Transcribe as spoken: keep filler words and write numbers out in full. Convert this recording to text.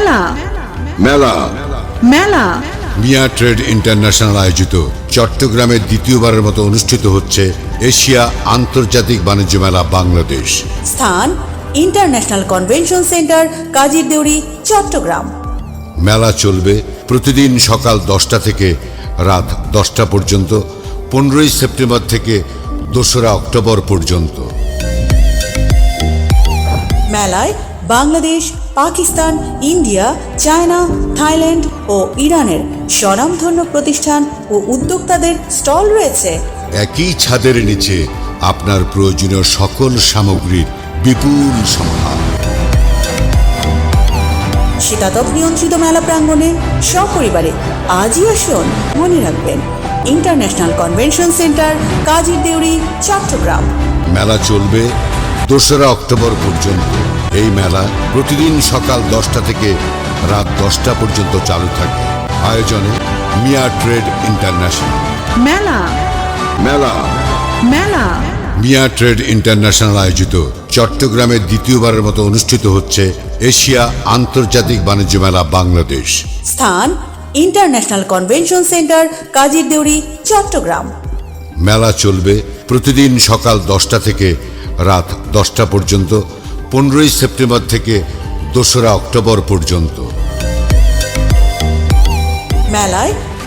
মেলা মেলা মেলা মিয়া ট্রেড ইন্টারন্যাশনাল আয়োজিত চট্টগ্রামের দ্বিতীয়বারের মতো অনুষ্ঠিত হচ্ছে এশিয়া আন্তর্জাতিক বাণিজ্য মেলা বাংলাদেশ। স্থান ইন্টারন্যাশনাল কনভেনশন সেন্টার কাজীর দেউরি চট্টগ্রাম। মেলা চলবে প্রতিদিন সকাল দশটা থেকে রাত দশটা পর্যন্ত, পনেরোই সেপ্টেম্বর থেকে দোসরা অক্টোবর পর্যন্ত। মেলায় Bangladesh, Pakistan, India, China, Thailand ও ইরানের স্বনামধন্য প্রতিষ্ঠান ও উদ্যোক্তাদের স্টল রয়েছে। একই ছাদের নিচে আপনার প্রয়োজনীয় সকল সামগ্রীর বিপুল সম্ভার। শীতাতপ নিয়ন্ত্রিত মেলা প্রাঙ্গণে সপরিবারে আজই আসুন। মনে রাখবেন, ইন্টারন্যাশনাল কনভেনশন সেন্টার কাজীর দেউরি চট্টগ্রাম। মেলা চলবে দোসরা অক্টোবর পর্যন্ত। এই মেলা প্রতিদিন সকাল দশটা থেকে রাত দশটা পর্যন্ত চালু থাকে। আয়োজনে মিয়া ট্রেড ইন্টারন্যাশনাল। মেলা মেলা মেলা মিয়া ট্রেড ইন্টারন্যাশনাল আয়োজিত চট্টগ্রামের দ্বিতীয়বারের মতো অনুষ্ঠিত হচ্ছে এশিয়া আন্তর্জাতিক বাণিজ্য মেলা বাংলাদেশ। স্থান ইন্টারন্যাশনাল কনভেনশন সেন্টার কাজীর দেউরি চট্টগ্রাম। মেলা চলবে প্রতিদিন সকাল দশটা থেকে রাত দশটা পর্যন্ত, পনেরোই সেপ্টেম্বর থেকে দোসরা অক্টোবর পর্যন্ত। মেলায়